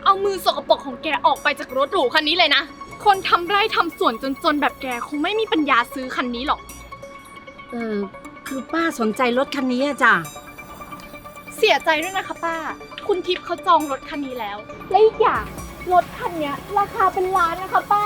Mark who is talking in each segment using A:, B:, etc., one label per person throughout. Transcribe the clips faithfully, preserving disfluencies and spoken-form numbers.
A: เอามือสกปรกของแกออกไปจากรถหรูคันนี้เลยนะ คนทำไร่ทำสวนจนๆแบบแกคงไม่มีปัญญาซื้อคันนี้หรอก
B: เออคือป้าสนใจรถคันนี้อะจ้ะ
A: เสียใจด้วยนะคะป้า คุณทิพย์เขาจองรถคันนี้แล้ว และอีกอย่างรถคันนี้ราคาเป็นล้านนะคะป้า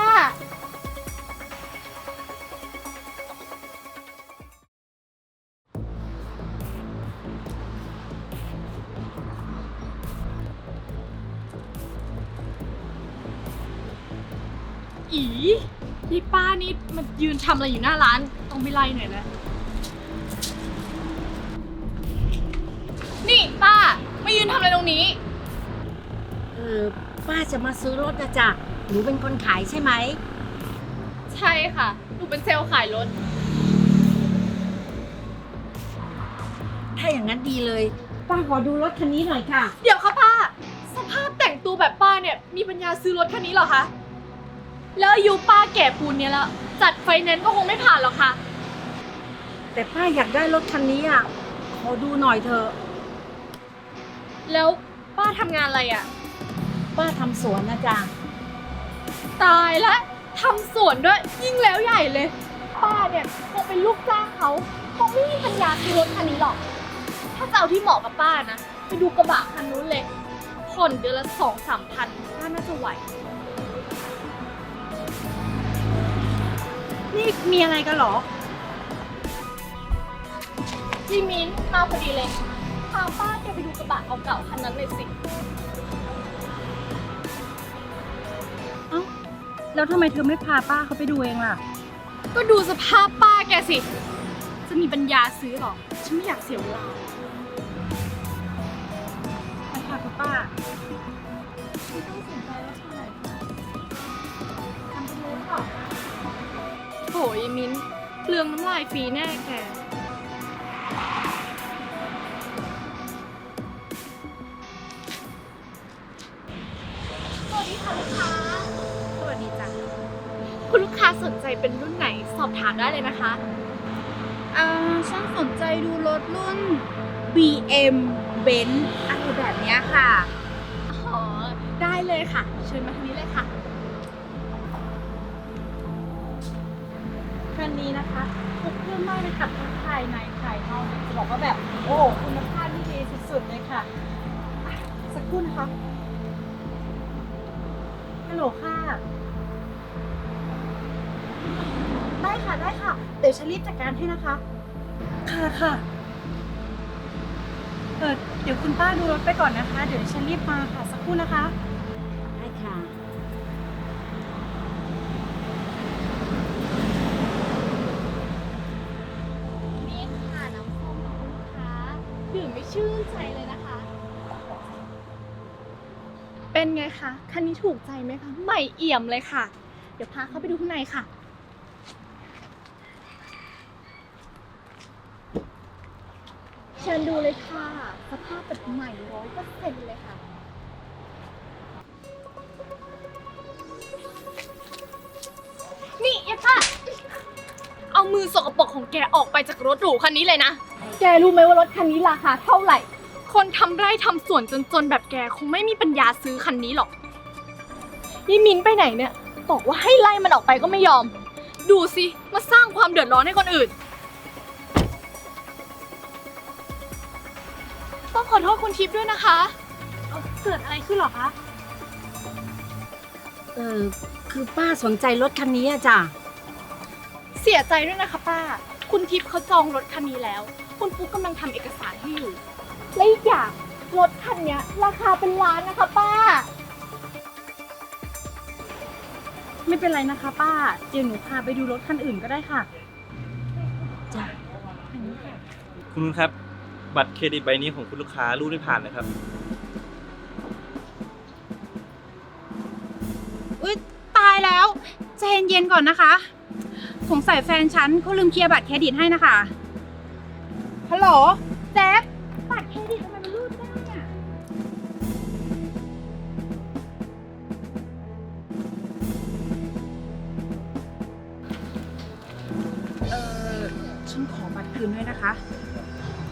A: อีนี่ป้านี่มันยืนทำอะไรอยู่หน้าร้าน ต้องไปไล่หน่อยแล้วนี่ป้ามายืนทำอะไรตรงนี้
B: เออป้าจะมาซื้อรถนะจ้ะหนูเป็นคนขายใช่ไหม
A: ใช่ค่ะหนูเป็นเซลล์ขายรถ
B: ถ้าอย่างนั้นดีเลยป้าขอดูรถคันนี้หน่อยค่ะ
A: เดี๋ยวค่ะป้า สภาพแต่งตัวแบบป้าเนี่ยมีปัญญาซื้อรถคันนี้เหรอคะ แล้วอายุป้าแก่ปูนเนี่ยแล้วจัดไฟแนนซ์ก็คงไม่ผ่านหรอกค่ะ
B: แต่ป้าอยากได้รถคันนี้อ่ะขอดูหน่อยเถอะ
A: แล้วป้าทำงานอะไรอะ่ะ
B: ป้าทำสวนนะจ๊ะ
A: ตายละทำสวนด้วยยิ่งแล้วใหญ่เลย ป้าเนี่ยคงเป็นลูกจ้างเขาคงไม่มีปัญญาซื้อรถคันนี้หรอก ถ้าจะเอาที่เหมาะกับป้านะไปดูกระบะคันนู้นเลยผ่อนเดือนละสองสามพันป้าน่าจะไหว
B: นี่มีอะไรกันเหรอ
A: พี่มิ้นมาพอดีเลยพาป้าแกไปดูกระบะเก่าๆคันนั้นเลยสิ
B: เอ้าแล้วทำไมเธอไม่พาป้าเขาไปดูเองล่ะ
A: ก็ดูสภาพป้าแกสิ จะมีปัญญาซื้อหรอ ฉันไม่อยากเสียเวลา
B: ไปค่ะคุณป้า
A: ไม่ต้องสนใจว่าเท่าไหร่ทำไปรู้หรอโหยมิ้นเปลืองน้ำลายฟรีแน่แก สวัสดีค่ะลูกค้า
B: สวัสดีจ้ะ
A: คุณลูกค้าสนใจเป็นรุ่นไหนสอบถามได้เลยนะคะ
C: อ่าฉันสนใจดูรถรุ่น บี เอ็ม Benz อะไรแบบเนี้ยค่ะ
A: อ๋อ ได้เลยค่ะ เชิญมาทางนี้เลยค่ะ
C: คันนี้นะคะทุกเครื่องไม่เลยค่ะทั้งภายในภายนอกจะบอกว่าแบบ โอ้คุณภาพที่ดีสุดๆเลยค่ะอ่ะ สักครู่นะคะ ฮัลโหลค่ะ ได้ค่ะได้ค่ะ เดี๋ยวฉันรีบจัดการให้นะคะ ค่ะค่ะเออเดี๋ยวคุณป้าดูรถไปก่อนนะคะ เดี๋ยวฉันรีบมาค่ะ สักครู่นะคะ
B: ได้ค่ะ
A: นี่ค่ะน้ำส้มของคุณลูกค้าดื่มไม่ชื่นใจเลยนะคะ เป็นไงคะ คันนี้ถูกใจไหมคะ ใหม่เอี่ยมเลยค่ะ เดี๋ยวพาเข้าไปดูข้างในค่ะ เชิญดูเลยค่ะ สภาพแบบใหม่ร้อยเปอร์เซ็นต์เลยค่ะ นี่เอป้าเอามือสกปรกของแกออกไปจากรถหรูคันนี้เลยนะ แกรู้ไหมว่ารถคันนี้ราคาเท่าไหร่ คนทำไร่ทำสวนจนๆแบบแกคงไม่มีปัญญาซื้อคันนี้หรอกยี่มินไปไหนเนี่ย บอกว่าให้ไล่มันออกไปก็ไม่ยอม ดูสิมาสร้างความเดือดร้อนให้คนอื่น ต้องขอโทษคุณทิพย์ด้วยนะคะเอาเกิดอะไรขึ้นหรอคะ
B: เออคือป้าสนใจรถคันนี้อะจ้ะ
A: เสียใจด้วยนะคะป้า คุณทิพย์เขาจองรถคันนี้แล้ว คุณปุ๊กกำลังทำเอกสารให้อยู่ และอีกอย่างรถคันนี้ราคาเป็นล้านนะคะป้า
C: ไม่เป็นไรนะคะป้า เดี๋ยวหนูพาไปดูรถคันอื่นก็ได้ค่ะ
B: จ้ะ
D: คุณนุชครับ บัตรเครดิตใบนี้ของคุณลูกค้ารูดไม่ผ่านนะครับ
C: อุ๊ยตายแล้วใจเย็นๆก่อนนะคะ สงสัยแฟนฉันเขาลืมเคลียร์บัตรเครดิตให้นะคะ ฮัลโหลแจ็คบัตรเครดิตทำไมมันรูดไม่ได้อะ เออฉันขอบัตรคืนด้วยนะคะ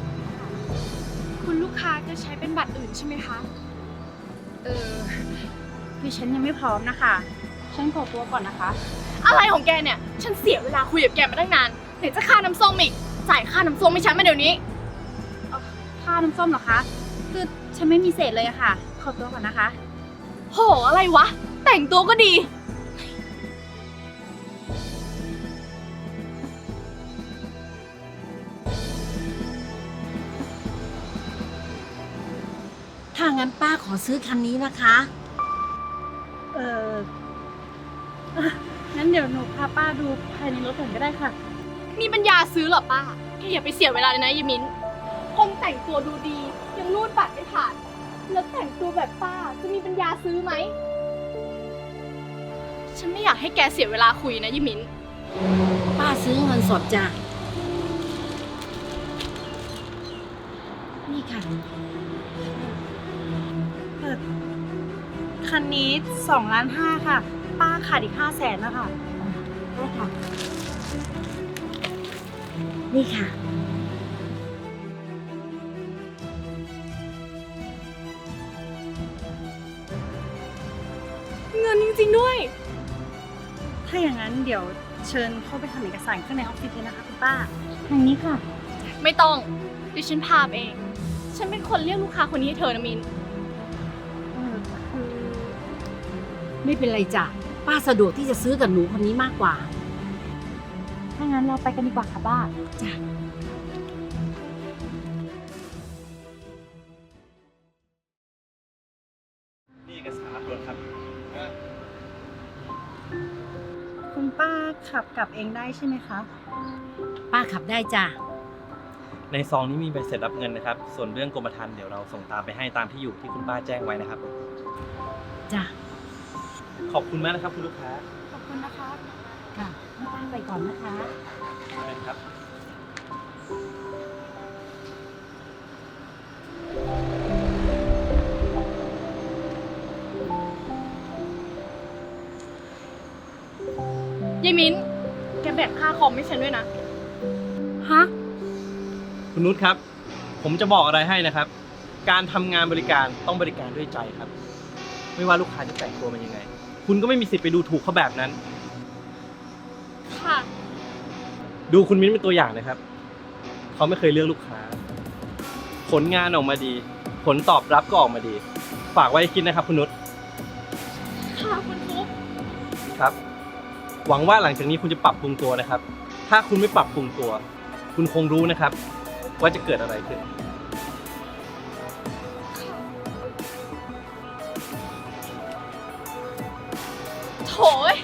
A: คุณลูกค้าจะใช้เป็นบัตรอื่นใช่ไหมคะ
C: เออคือฉันยังไม่พร้อมนะคะ ฉันขอตัวก่อนนะคะ
A: อะไรของแกเนี่ย ฉันเสียเวลาคุยกับแกมาตั้งนานไหนจะค่าน้ำส้มอีก จ่ายค่าน้ำส้มให้ฉันมาเดี๋ยวนี้
C: ค่าน้ำส้มเหรอคะ คือฉันไม่มีเศษเลยอะค่ะ ขอตัวก่อนนะคะ
A: โห อะไรวะ แต่งตัวก็ดี
B: ถ้างั้นป้าขอซื้อคันนี้นะคะ
C: เออเอ่องั้นเดี๋ยวหนูพาป้าดูภายในรถก่อนก็ได้ค่ะ
A: มีปัญญาซื้อเหรอป้าแกอย่าไปเสียเวลาเลยนะยายมิ้นคนแต่งตัวดูดี ยังรูดบัตรไม่ผ่าน แล้วแต่งตัวแบบป้าจะมีปัญญาซื้อไหม ฉันไม่อยากให้แกเสียเวลาคุยนะยายมิ้น
B: ป้าซื้อเงินสดจ้ะ นี่ค่ะ
C: คันนี้สองล้านห้าค่ะ ป้าขาดอีกห้าแสนนะคะ
B: ได้ค่ะ นี่ค่ะ
A: เงินจริงๆด้วย
C: ถ้าอย่างนั้นเดี๋ยวเชิญเข้าไปทำเอกสารข้างในออฟฟิศเลยนะคะคุณป้า ทางนี้ค่ะ
A: ไม่ต้องดิฉันพาไปเอง ฉันเป็นคนเรียกลูกค้าคนนี้ให้เธอนะมิน
C: เออคือ
B: ไม่เป็นไรจ้ะ ป้าสะดวกที่จะซื้อกับหนูคนนี้มากกว่า
C: ถ้างั้นเราไปกันดีกว่าค่ะป้า
B: จ้ะ
D: นี่เอกสารรับรถครับ
C: คุณป้าขับกลับเองได้ใช่ไหมคะ
B: ป้าขับได้จ้ะ
D: ในซองนี้มีใบเสร็จรับเงินนะครับ ส่วนเรื่องกรมธรรม์เดี๋ยวเราส่งตามไปให้ตามที่อยู่ที่คุณป้าแจ้งไว้นะครับ
B: จ้ะ
D: ขอบคุณมากนะครับคุณลูกค้า
C: ขอบคุณนะคะ
B: ค่ะให้ป้าไปก่อนนะคะ
D: เชิญครับ
A: ยายมิ้น แกแบกค่าคอมให้ฉันด้วยนะ
C: ฮะ
D: คุณนุชครับ ผมจะบอกอะไรให้นะครับ การทำงานบริการต้องบริการด้วยใจครับ ไม่ว่าลูกค้าจะแต่งตัวมันยังไง คุณก็ไม่มีสิทธิ์ไปดูถูกเขาแบบนั้น
A: ค่ะ
D: ดูคุณมิ้นเป็นตัวอย่างนะครับ เขาไม่เคยเลือกลูกค้า ผลงานออกมาดี ผลตอบรับก็ออกมาดี ฝากไว้คิดนะครับคุณนุช
A: ค่ะคุณฟุ๊ก
D: ครับ หวังว่าหลังจากนี้คุณจะปรับปรุงตัวนะครับ ถ้าคุณไม่ปรับปรุงตัว คุณคงรู้นะครับ ว่าจะเกิดอะไรขึ้น
A: โถย